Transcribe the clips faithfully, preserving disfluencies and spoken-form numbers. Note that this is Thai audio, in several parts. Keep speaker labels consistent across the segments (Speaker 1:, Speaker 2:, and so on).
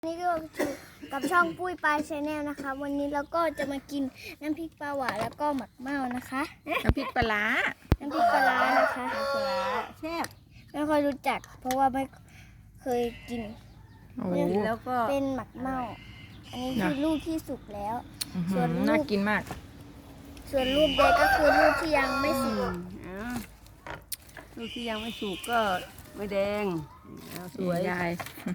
Speaker 1: นี่ก็คือกับช่องปุ้ยปลายชาแนลนะคะวันนี้เราก็จะมากินน้ำพริกปลาหวานแล้วก็หมักเม่านะคะ
Speaker 2: น้ำพริกปลาร้า
Speaker 1: น้ำพริกปลาร้านะคะ
Speaker 2: ปลาร้าแซ่บ
Speaker 1: ไม่ค่อยรู้จัก เพราะว่าไม่เคยกิน
Speaker 2: โอ้
Speaker 1: แล้วก็เป็นหมักเม่าอันนี้คือลูกที่สุกแล้ว ส่วนลูก
Speaker 2: น่ากินมาก
Speaker 1: ส่วนลูกเด็กก็คือลูกที่ยังไม่สุก
Speaker 3: ลูกที่ยังไม่สุกก็ไม่แดงสวย
Speaker 2: ยาย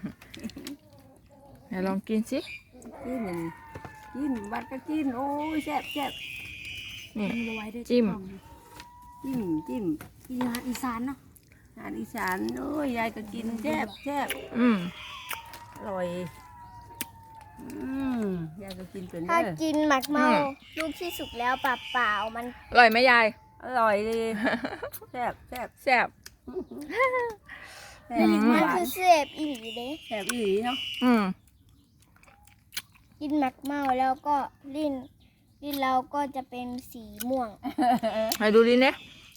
Speaker 2: ไหนลองกินสิ
Speaker 3: กินกินบัดก็กินโอ้ยแซ่บแซ่บ
Speaker 2: นี่จิ้ม
Speaker 3: จิ้มจิ้ม
Speaker 1: อีสานอีสานเนาะ
Speaker 3: อาหารอีสานโอ้ยยายก็กินแซ่บแซ่บ
Speaker 2: อืม
Speaker 3: อร่อยอืมยายก็กินเป็น
Speaker 1: ถ้า
Speaker 3: เด้อ
Speaker 1: กินหมักเม่าลูกที่สุกแล้วเปล่าๆมัน
Speaker 2: อร่อยไหมยาย
Speaker 3: อร่อยเลยแซ่บแซ่บ
Speaker 2: แซ่บ
Speaker 3: แซ่บ
Speaker 1: มัน
Speaker 3: หวาน
Speaker 1: คือเสพอีหลีเด้
Speaker 3: แซ่บอีหลีเนาะ
Speaker 2: อืม
Speaker 1: กินหมักเม่าแล้วก็ลิ้นลิ้นเราก็จะเป็นสีม่วง
Speaker 2: ให้ดูดิเนี่ย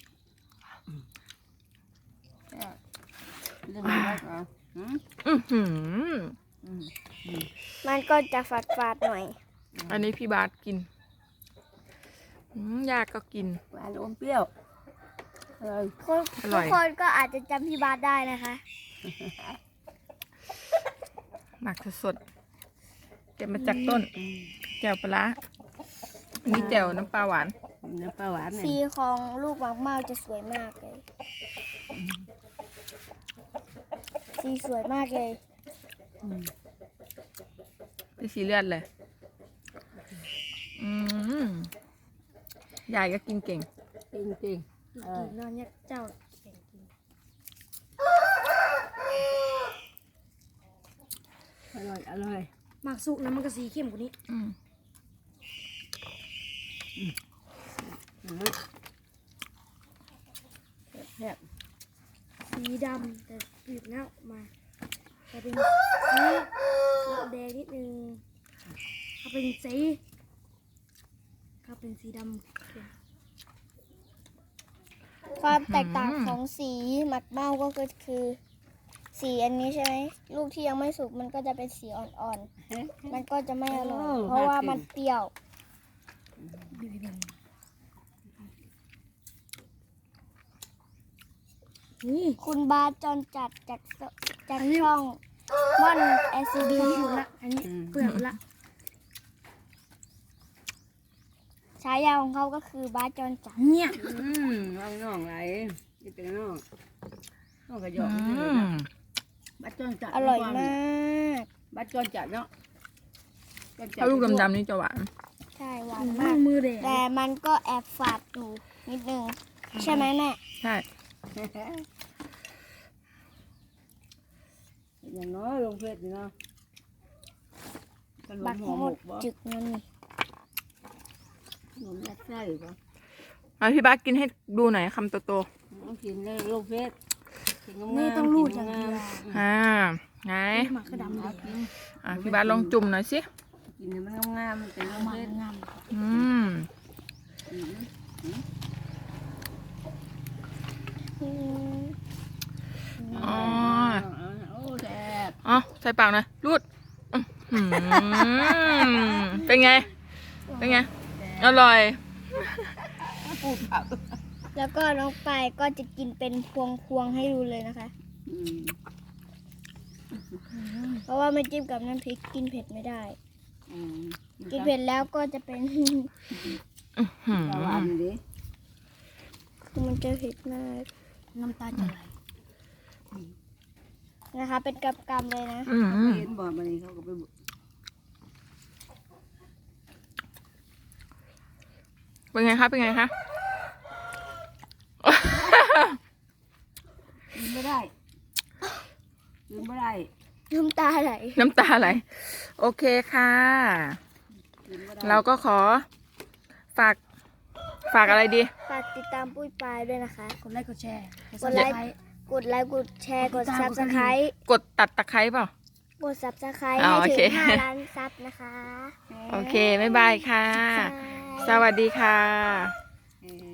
Speaker 3: เรื่องอะไรก็อืม
Speaker 2: อือหือ
Speaker 3: อืม
Speaker 1: มันก็จะฝาดฝาดๆหน่อย
Speaker 2: อันนี้พี่บาสกินอืมยากก็กิน
Speaker 3: หวานอมเปรี้ยวอร่อย
Speaker 1: คน
Speaker 2: อร่
Speaker 1: ทุ
Speaker 2: อก ย
Speaker 1: คนก็อาจจะจำพี่บาสได้นะคะ
Speaker 2: หมักสดๆเก็บมาจากต้น
Speaker 3: อืม
Speaker 2: แจ่วปลาร้าอันนี้แจ่วน้ำปลาหวาน
Speaker 3: น้ำปลาหวานเนี่ย
Speaker 1: สีของลูกหมักเม่าจะสวยมากเลย สีสวยมากเลย
Speaker 3: อืม
Speaker 2: เป็นสีเลือดเลย อืมยายก็กินเก่ง
Speaker 3: จริงจริงๆเออ
Speaker 1: กินนอนเนี่ยเจ้า
Speaker 3: อร่อยอร่อย
Speaker 1: หมักสุกนะมันก็สีเข้มกว่านี้
Speaker 2: อืม
Speaker 3: อืม
Speaker 1: แบบสีดำแต่ปีกเน่ามาแต่เป็นสีแดงนิดนึงถ้าเป็นสีถ้าเป็นสีดำความแตกต่างของสีหมักเม่าก็คือสีอันนี้ใช่ไหมลูกที่ยังไม่สุกมันก็จะเป็นสีอ่อนๆ มันก็จะไม่อร่อยเพราะว่ามันเปรี้ยว นี่คุณบาสจอนจัดจากสจากช่องม่อนเอซีบีละอันนี้เปลือกละฉายาของเขาก็คือบาสจอนจัดเนี่ย
Speaker 3: อืมวางน่องไหลนี่เป็นน่องน่องกระย
Speaker 2: อื
Speaker 3: อกนี่เลย
Speaker 2: ม
Speaker 3: นะบัดจอนจัด
Speaker 1: อร่อยมาก
Speaker 3: บัดจอนจัดเนาะจอนจั
Speaker 2: ถ้าลูกดำๆนี่จะหวาน
Speaker 1: ใช่หวานมากมือแต่มันก็แอบฝาดอยู่นิดนึง ใช่ไหมแม่
Speaker 2: ใช่
Speaker 3: อย่างน้อยลงเพชรนี่เนาะขน
Speaker 1: บั
Speaker 3: ม
Speaker 1: ก
Speaker 3: ห่อ
Speaker 1: ห
Speaker 3: ห
Speaker 1: ม
Speaker 3: ม
Speaker 1: ด
Speaker 3: กบ่
Speaker 1: จึกนั่นนี่
Speaker 3: ขนมยัดไส้บ่
Speaker 2: เอาพี่บาสกินให้ดูหน่อยคำโต
Speaker 3: ต้องกินได้ลงเพชรกินงามๆ
Speaker 1: นี่ต้องรูดอย่างเดียว
Speaker 2: ๆอ่าไง
Speaker 1: หมักกระดำเลย
Speaker 2: อ่ะพี่บาสลองจุ่มหน่อยสิ
Speaker 3: กินให้มันงามๆมันเป็นลงเพชร
Speaker 2: อืม
Speaker 3: อืม
Speaker 1: อืม
Speaker 2: อ๋อ
Speaker 3: โอ้แซ่บ
Speaker 2: อ๋อใส่ปากหน่อยรูดอื้อหือเป็นไง เป็นไง อร่อย
Speaker 3: ปูผัก
Speaker 1: แล้วก็น้องปายก็จะกินเป็นพวงพวงๆให้ดูเลยนะคะ
Speaker 3: อืม
Speaker 1: เพราะว่าไม่จิ้มกับน้ำพริกกินเผ็ดไม่ได้
Speaker 3: อืม
Speaker 1: กินเผ็ดแล้วก็จะเป็น
Speaker 2: อื้อหือ
Speaker 3: ปลาหวานดิ
Speaker 1: คือมันจะเผ็ดมากน้ำตาจะไหลนะคะ เป็นกำกำเลยนะ
Speaker 2: อืม
Speaker 3: เขาเห็นบ่มานี่เขาก็ไปบุ
Speaker 2: เป็นไงคะ เป็นไงคะ
Speaker 3: กินไม่ได้กินไม่ได้
Speaker 1: น้ำตาไหล
Speaker 2: น้ำตาไหล โอเคค่ะ
Speaker 3: กินไม่ได้
Speaker 2: เราก็ขอฝาก ฝากอะไรดี
Speaker 1: ฝากติดตามปุ้ยปายด้วยนะคะ
Speaker 4: กดไลค์กดแชร์
Speaker 1: กดไลค์ กดไลค์ กดแชร์ กดซับสไครต์
Speaker 2: กดตัดตะไคร้เปล่า
Speaker 1: กดซับสไครต์
Speaker 2: อ๋อ
Speaker 1: ให้
Speaker 2: โอ
Speaker 1: ถึ
Speaker 2: เค
Speaker 1: งห้าล้านซับนะคะ
Speaker 2: โอเค บ๊ายบายค่ะ
Speaker 1: ใช่
Speaker 2: สวัสดีค่ะ